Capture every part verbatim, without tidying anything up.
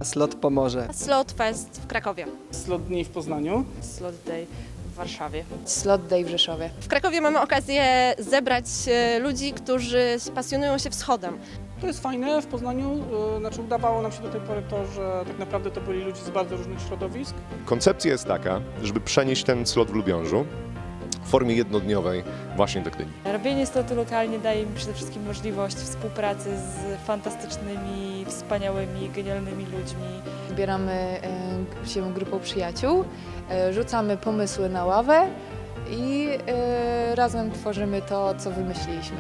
Slot Pomorze. Slot Fest w Krakowie. Slot Dni w Poznaniu. Slot Day w Warszawie. Slot Day w Rzeszowie. W Krakowie mamy okazję zebrać e, ludzi, którzy pasjonują się wschodem. To jest fajne w Poznaniu, yy, znaczy udawało nam się do tej pory to, że tak naprawdę to byli ludzie z bardzo różnych środowisk. Koncepcja jest taka, żeby przenieść ten slot w Lubiążu w formie jednodniowej właśnie do Gdyni. Robienie slotu lokalnie daje mi przede wszystkim możliwość współpracy z fantastycznymi, wspaniałymi, genialnymi ludźmi. Zbieramy e, się grupą przyjaciół, e, rzucamy pomysły na ławę i e, razem tworzymy to, co wymyśliliśmy.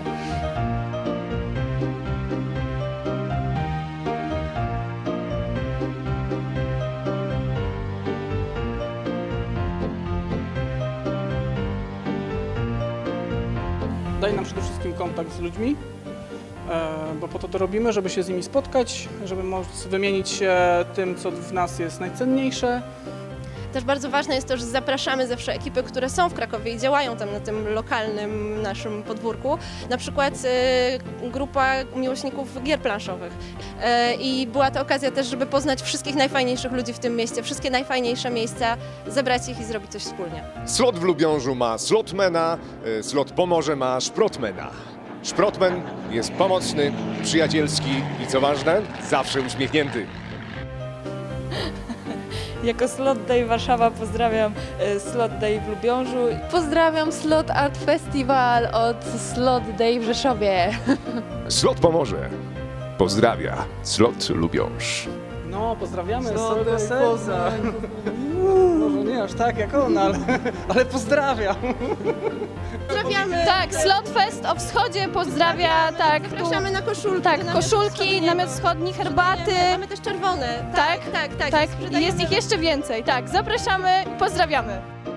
Daje nam przede wszystkim kontakt z ludźmi, e, bo po to to robimy, żeby się z nimi spotkać, żeby móc wymienić się tym, co w nas jest najcenniejsze. Też bardzo ważne jest to, że zapraszamy zawsze ekipy, które są w Krakowie i działają tam na tym lokalnym naszym podwórku. Na przykład e, grupa miłośników gier planszowych. E, I była to okazja też, żeby poznać wszystkich najfajniejszych ludzi w tym mieście, wszystkie najfajniejsze miejsca, zebrać ich i zrobić coś wspólnie. Slot w Lubiążu ma slotmana, y, slot Pomorze ma szprotmana. Szprotman jest pomocny, przyjacielski i co ważne, zawsze uśmiechnięty. Jako Slot Day Warszawa pozdrawiam e, Slot Day w Lubiążu. Pozdrawiam Slot Art Festival od Slot Day w Rzeszowie. Slot Pomorze pozdrawia slot Lubiąż. No, pozdrawiamy z Slot całego Day serca. Poznań. Może nie aż tak jak on, ale, ale pozdrawiam. Pozdrawiamy! Tak, Slot Fest o wschodzie pozdrawia, tak, tu, Zapraszamy na koszulki. tak, namiot koszulki, wschodni. namiot wschodni, herbaty, Mamy też czerwone. Tak, tak, tak. tak, i sprzedajemy. jest ich jeszcze więcej, tak, zapraszamy, pozdrawiamy.